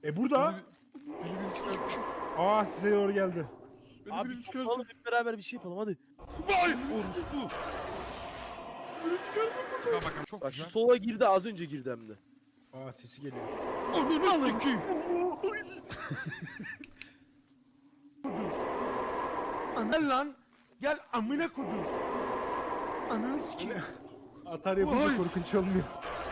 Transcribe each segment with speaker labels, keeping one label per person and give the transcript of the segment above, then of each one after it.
Speaker 1: Burada.
Speaker 2: Beni çıkarsın.
Speaker 1: Aa size doğru geldi.
Speaker 2: Beni
Speaker 3: Abi
Speaker 2: biri
Speaker 3: çıkalım
Speaker 2: çıkarsın.
Speaker 3: hep beraber bir şey yapalım hadi.
Speaker 2: Vay! Orospu! Beni çıkarsın.
Speaker 4: Çıkar bakalım çok
Speaker 3: Bak şu
Speaker 4: güzel.
Speaker 3: sola girdi az önce girdi hem de.
Speaker 1: Aa sesi geliyor.
Speaker 2: Ananı sikeyim.
Speaker 4: Gel lan. Gel amına kodum. Ananı sikeyim.
Speaker 1: Atar yapınca
Speaker 2: Vay.
Speaker 1: korkunç olmuyor.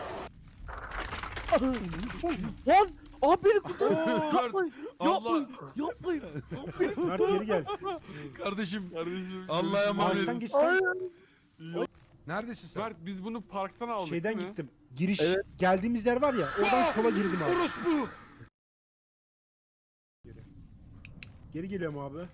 Speaker 3: Lan! Abi beni kurtar.
Speaker 4: Oo,
Speaker 3: Yapmayın.
Speaker 4: Allah.
Speaker 3: Yapmayın.
Speaker 1: Mert geri gel.
Speaker 2: Kardeşim.
Speaker 4: Allah'a emanet.
Speaker 1: Maaştan geçsen
Speaker 4: Neredesin sen?
Speaker 2: Mert biz bunu parktan aldık
Speaker 1: şeyden
Speaker 2: değil mi?
Speaker 1: gittim. Giriş
Speaker 3: Evet.
Speaker 1: geldiğimiz yer var ya oradan sola girdim abi.
Speaker 4: Orospu!
Speaker 1: Geri geliyorum abi.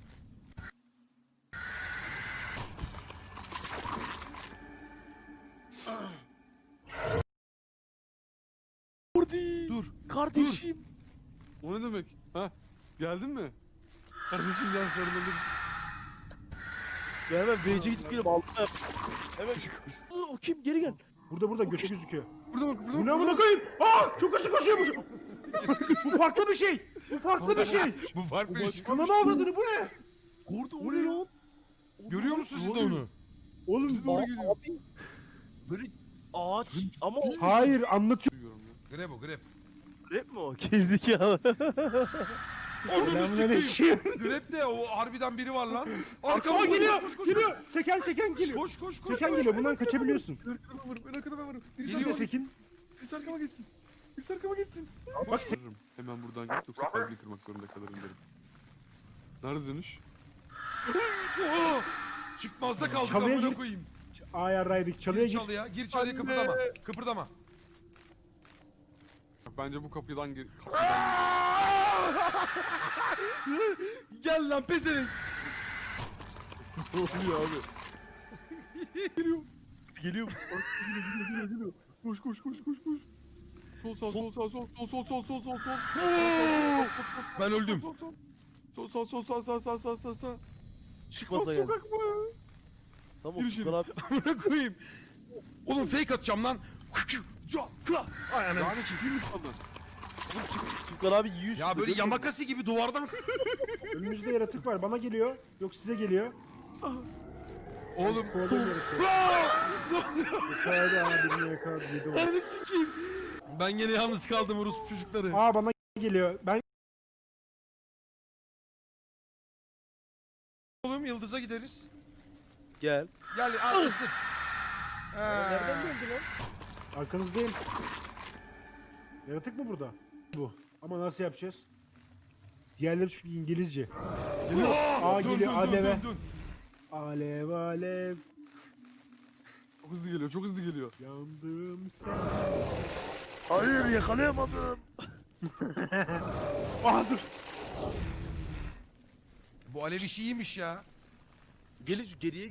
Speaker 4: Dur.
Speaker 3: Kardeşim.
Speaker 2: O ne demek? Ha? Geldin mi? Kardeşim gel sarılalım.
Speaker 3: Ya hemen BC gidip gelip aldım. Hemen. O kim? Geri gel.
Speaker 1: Burada göçü gözüküyor.
Speaker 2: Burada bak burada
Speaker 1: Bu
Speaker 2: bak.
Speaker 1: ne amına koyayım? Aa çok hızlı koşuyormuş. Bu farklı bir şey. Bu farklı bir şey.
Speaker 4: Bu farklı bir şey.
Speaker 1: Ananı avradını bu ne?
Speaker 3: Orada o ne lan?
Speaker 4: Görüyor musunuz siz de onu?
Speaker 1: Oğlum
Speaker 2: Doğru gidiyor.
Speaker 3: Abi. Böyle ağaç ama o
Speaker 1: hayır anlatıyor.
Speaker 2: Duyuyorum ya.
Speaker 4: Grep o grep.
Speaker 3: rap mi o? Gerizekalı.
Speaker 4: Onu
Speaker 1: Selamünaleyküm.
Speaker 4: Grep de o harbiden biri var lan.
Speaker 1: Arkama
Speaker 4: Arkamda
Speaker 1: geliyor.
Speaker 4: koş, koş, koş.
Speaker 1: Geliyor. Seken geliyor.
Speaker 4: Koş koş koş.
Speaker 1: Seken geliyor. Bundan kaçabiliyorsun.
Speaker 2: Ben arkada varım. Ben arkada varım. Birisi
Speaker 1: Geliyor
Speaker 2: arkama geçsin.
Speaker 1: Sekin.
Speaker 2: Birisi arkama geçsin. Birisi arkama geçsin.
Speaker 1: Bak
Speaker 2: Vururum. Hemen buradan git yoksa kalbini kırmak zorunda kalırım derim. Nerede dönüş?
Speaker 4: Oo! Çıkmazda kaldık
Speaker 1: Çalıya
Speaker 4: amına
Speaker 1: gir.
Speaker 4: koyayım.
Speaker 1: Ayarlaydık. Çalıya
Speaker 4: Gir
Speaker 1: git.
Speaker 4: çalıya. Gir çalıya
Speaker 2: Anne.
Speaker 4: kıpırdama. Kıpırdama.
Speaker 2: Bence bu kapıdan gir. Kapıdan
Speaker 4: Gel lan pezevenk.
Speaker 2: Ne oluyor abi?
Speaker 3: Geliyor.
Speaker 2: Koş koş koş koş koş. Sol sağ sol sağ sol sol sol sol sol sol.
Speaker 4: Ben öldüm.
Speaker 2: Sol sol sol sol sağ sağ sağ sağ sağ.
Speaker 3: Çıkmasa gel.
Speaker 2: Sokak mı?
Speaker 3: Tamam
Speaker 2: Gir içeri.
Speaker 3: Furkan abi.
Speaker 4: Amına koyayım. Oğlum fake atacağım lan. Ay ananı
Speaker 2: Yani
Speaker 4: sikeyim.
Speaker 2: çıkayım mı sandın?
Speaker 3: Furkan abi yiyor.
Speaker 4: Ya böyle yamakası gibi duvardan.
Speaker 1: Önümüzde yaratık var. Bana geliyor. Yok size geliyor.
Speaker 2: Sağ.
Speaker 4: Oğlum.
Speaker 1: Kovalıyor yaratığı. Yakaladı abi. Birini yakaladı. Yedi onu.
Speaker 4: Ananı sikeyim. Ben gene yalnız kaldım orospu çocukları.
Speaker 1: Aa bana geliyor. Ben
Speaker 4: Oğlum Yıldız'a gideriz.
Speaker 3: Gel.
Speaker 4: Gel al ısır.
Speaker 3: Nereden geldi lan?
Speaker 1: arkanızdayım. Yaratık mı burada? Bu. Ama nasıl yapacağız? Diğerleri çünkü İngilizce. Aa geliyor aleve. Alev alev.
Speaker 2: Çok hızlı geliyor çok hızlı geliyor.
Speaker 1: Yandım sen.
Speaker 3: Hayır yakalayamadım.
Speaker 1: Aa dur.
Speaker 4: Bu alev işi iyiymiş ya.
Speaker 3: Gelin şu geriye